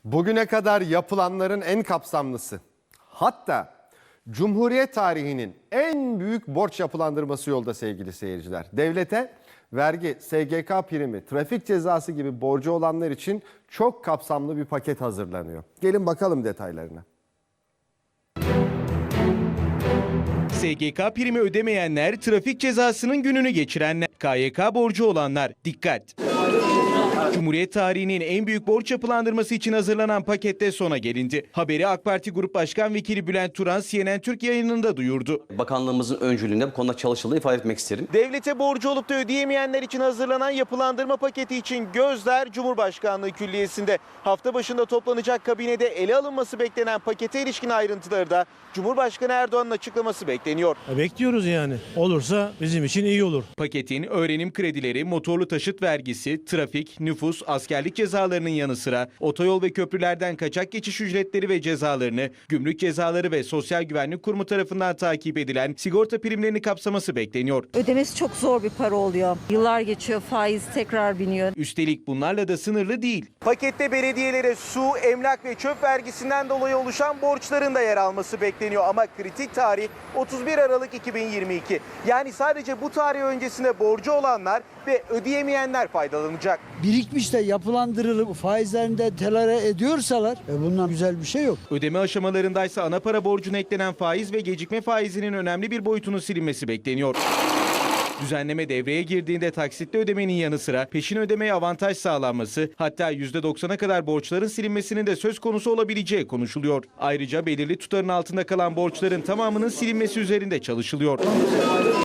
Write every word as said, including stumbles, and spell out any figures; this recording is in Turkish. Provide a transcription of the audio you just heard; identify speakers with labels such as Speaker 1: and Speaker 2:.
Speaker 1: Bugüne kadar yapılanların en kapsamlısı, hatta Cumhuriyet tarihinin en büyük borç yapılandırması yolda sevgili seyirciler. Devlete vergi, S G K primi, trafik cezası gibi borcu olanlar için çok kapsamlı bir paket hazırlanıyor. Gelin bakalım detaylarına.
Speaker 2: S G K primi ödemeyenler, trafik cezasının gününü geçirenler, K Y K borcu olanlar. Dikkat! Cumhuriyet tarihinin en büyük borç yapılandırması için hazırlanan pakette sona gelindi. Haberi AK Parti Grup Başkan Vekili Bülent Turan C N N Türk yayınında duyurdu.
Speaker 3: Bakanlığımızın öncülüğünde bu konuda çalışıldığını ifade etmek isterim.
Speaker 2: Devlete borcu olup da ödeyemeyenler için hazırlanan yapılandırma paketi için gözler Cumhurbaşkanlığı Külliyesi'nde. Hafta başında toplanacak kabinede ele alınması beklenen pakete ilişkin ayrıntıları da Cumhurbaşkanı Erdoğan'ın açıklaması bekleniyor.
Speaker 4: Bekliyoruz yani. Olursa bizim için iyi olur.
Speaker 2: Paketin öğrenim kredileri, motorlu taşıt vergisi, trafik, nüfus, askerlik cezalarının yanı sıra otoyol ve köprülerden kaçak geçiş ücretleri ve cezalarını, gümrük cezaları ve Sosyal Güvenlik Kurumu tarafından takip edilen sigorta primlerini kapsaması bekleniyor.
Speaker 5: Ödemesi çok zor bir para oluyor. Yıllar geçiyor, faiz tekrar biniyor.
Speaker 2: Üstelik bunlarla da sınırlı değil. Pakette belediyelere su, emlak ve çöp vergisinden dolayı oluşan borçların da yer alması bekleniyor. Ama kritik tarih otuz bir Aralık iki bin yirmi iki. Yani sadece bu tarih öncesinde borcu olanlar ve ödeyemeyenler faydalanacak.
Speaker 6: Birikmiş de yapılandırılıp faizlerinde telere ediyorsalar e bundan güzel bir şey yok.
Speaker 2: Ödeme aşamalarındaysa ana para borcuna eklenen faiz ve gecikme faizinin önemli bir boyutunun silinmesi bekleniyor. Düzenleme devreye girdiğinde taksitli ödemenin yanı sıra peşin ödemeye avantaj sağlanması, hatta yüzde doksana kadar borçların silinmesinin de söz konusu olabileceği konuşuluyor. Ayrıca belirli tutarın altında kalan borçların tamamının silinmesi üzerinde çalışılıyor.